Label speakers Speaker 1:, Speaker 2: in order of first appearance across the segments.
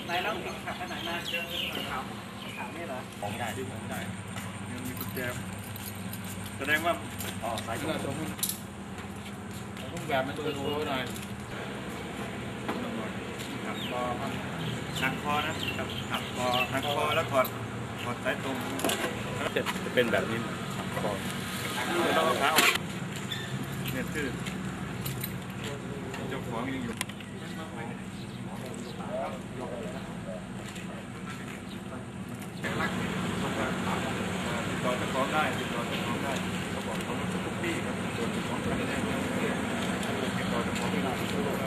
Speaker 1: ไหนน้องขับไปไหนมาขาวนี่เหรอของไม่ได้ที่ผมไม่ได้ยังมีกุญแจแสดงว่าสายตรงต้องแบบมันตัวโตหน่อยหักคอครับหักคอนะครับหักคอแล้วถอดสายตรงจะเป็นแบบนี้คอจะต้องเอาขาออกเนี่ยคือเจ้าของยังอยู่ต่อเจ้าของได้เขาบอกเขาทุกที่ครับส่วนของกันได้ติดต่อเจ้าของไม่ได้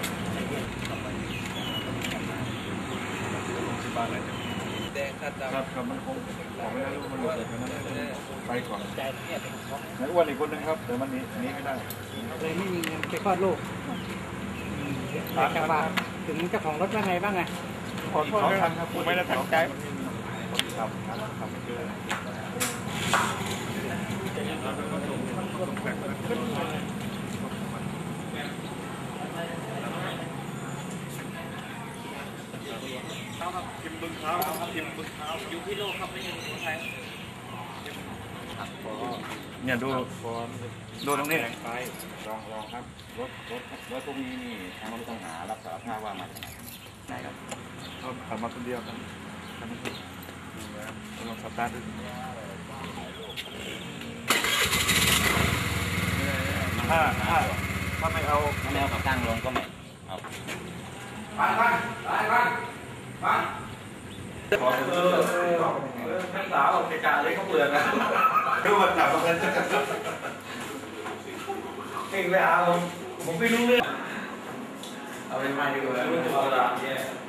Speaker 1: แดงครับมันคงออกไม่ได้รู้มันหลุดจากนั้นไปก่อนไหนอ้วนอีกคนนึงครับแต่มันนี้ไม่ได้
Speaker 2: เลยไม่มีเงินไปคลอดลูกอยากจะฝากถึงเจ้าของรถว่าไงบ้างไง
Speaker 1: ขอโทษครับผมไม่ได้ตั้งใจครับเกินทิมบึงเท้าอยู่ที่โลกครับไม่ใช่ที่ไทยเนี่ยดูตรงนี้
Speaker 3: ไปลองครับรถพวกนี้นี่ทางผู้ต้องหารับสารภาพว่ามาจากไหนครับ
Speaker 1: เขาขับมาคนเดียวกันลองสตาร์ทดูถ้าไม่เอา
Speaker 3: ขาตั้งลงก็ไม่เอา
Speaker 1: บ้านท่านสาวเกจ่าเลยเขาเปลือกนะดูมันจับมันเองไปเอาผมไม่รู้เรื่องเอาไปไม่ดีกว่ารู้ตัวละ